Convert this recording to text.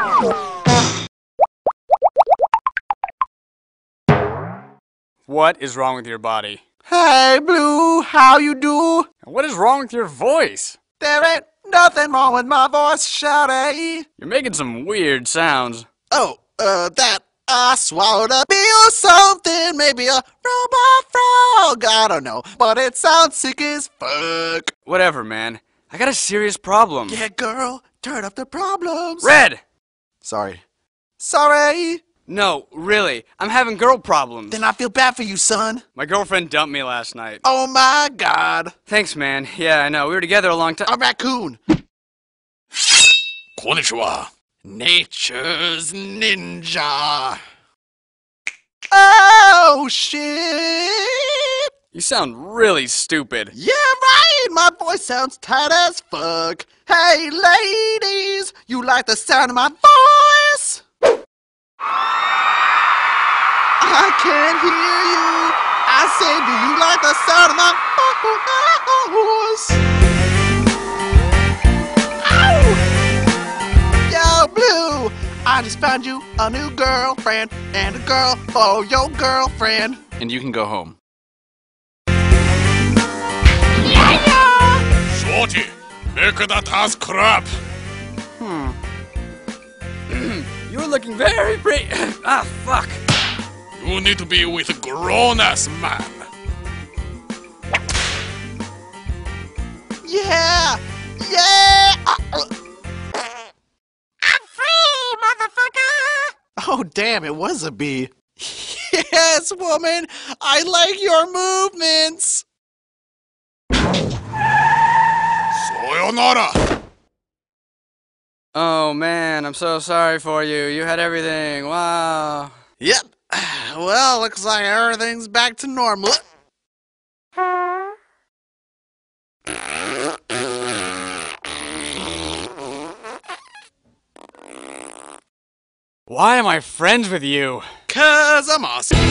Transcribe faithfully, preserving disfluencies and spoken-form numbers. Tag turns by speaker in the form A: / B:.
A: What is wrong with your body?
B: Hey, Blue, how you do?
A: What is wrong with your voice?
B: There ain't nothing wrong with my voice, shawty.
A: You're making some weird sounds.
B: Oh, uh, that I swallowed a bee or something, maybe a robot frog, I don't know, but it sounds sick as fuck.
A: Whatever, man. I got a serious problem.
B: Yeah, girl, turn up the problems.
A: Red!
B: Sorry. Sorry.
A: No, really. I'm having girl problems.
B: Then I feel bad for you, son.
A: My girlfriend dumped me last night.
B: Oh my god.
A: Thanks, man. Yeah, I know. We were together a long time.
B: A raccoon.
C: Konnichiwa.
B: Nature's ninja. Oh, shit.
A: You sound really stupid.
B: Yeah, right. My voice sounds tight as fuck. Hey, ladies, you like the sound of my voice? I can't hear you. I say, do you like the sound of my voice? Ow! Yo, Blue, I just found you a new girlfriend and a girl for your girlfriend.
C: And you can go home.
D: Shorty, make that ass crap.
A: Hmm. You're looking very pretty. Ah, fuck.
D: You need to be with a grown-ass man.
B: Yeah! Yeah! Uh, I'm free, motherfucker! Oh, damn, it was a bee. Yes, woman! I like your movements!
D: Sayonara!
A: Oh, man, I'm so sorry for you. You had everything. Wow.
B: Yep. Well, looks like everything's back to normal.
A: Why am I friends with you?
B: 'Cause I'm awesome.